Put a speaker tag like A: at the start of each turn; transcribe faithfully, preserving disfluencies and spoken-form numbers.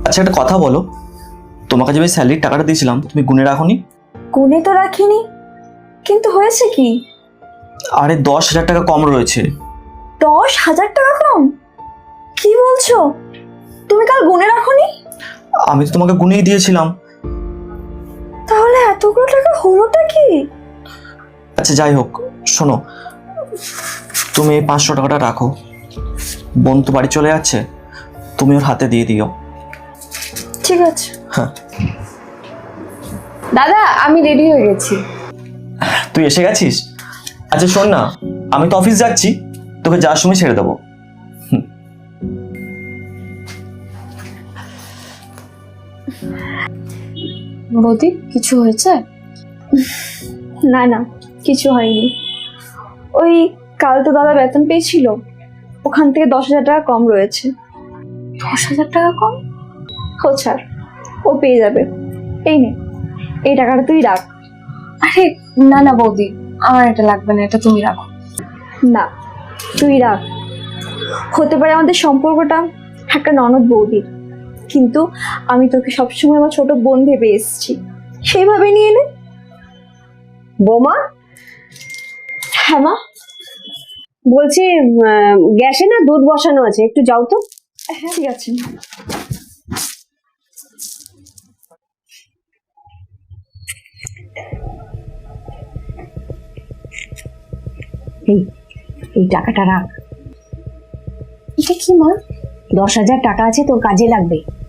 A: আচ্ছা একটা কথা বলো, তোমাকে যে আমি স্যালারির টাকাটা দিয়েছিলাম তুমি গুনে রাখোনি?
B: গুনে তো রাখিনি, কিন্তু হয়েছে কি?
A: আরে দশ হাজার টাকা কম রয়েছে।
B: দশ হাজার টাকা কম? কি বলছো? তুমি কাল গুনে রাখোনি?
A: আমি তো তোমাকে গুনেই দিয়েছিলাম।
B: তাহলে এতগুলো টাকা হলোটা কি?
A: আচ্ছা যাই হোক, শোনো, তুমি এই পাঁচশো টাকাটা রাখো। বোন তো বাড়ি চলে যাচ্ছে, তুমি ওর হাতে দিয়ে দিও।
B: ঠিক আছে।
A: হ্যাঁ,
C: দাদা আমি রেডি হয়ে গেছি।
A: তুই এসে গেছিস? আচ্ছা শোন না, আমি তো অফিস যাচ্ছি, তোকে যাওয়ার সময় ছেড়ে দেবো।
C: বৌদি কিছু হয়েছে?
B: না না, কিছু হয়নি। ওই কাল তো দাদা বেতন পেয়েছিল, ওখান থেকে দশ হাজার টাকা কম রয়েছে।
C: দশ হাজার টাকা কম?
B: ও ছাড়, ও পেয়ে যাবে। এই নে, এই টাকাটা তুই রাখ।
C: আরে না না বৌদি, আমার এটা লাগবে না, এটা তুমি রাখো।
B: না, তুই রাখ। হতে পারে আমাদের সম্পর্কটা একটা ননদ বৌদির, কিন্তু আমি তোকে সবসময় আমার ছোট বোন ভেবে এসেছি, সেইভাবে নিয়ে নে।
D: বোমা,
B: হ্যাঁ মা।
D: বলছি গ্যাসে না দুধ বসানো আছে, একটু যাও তো।
B: হ্যাঁ ঠিক আছে।
D: এই এই টাকাটা রাখ।
C: এটা কি মা?
D: দশ হাজার টাকা আছে, তোর কাজে লাগবে।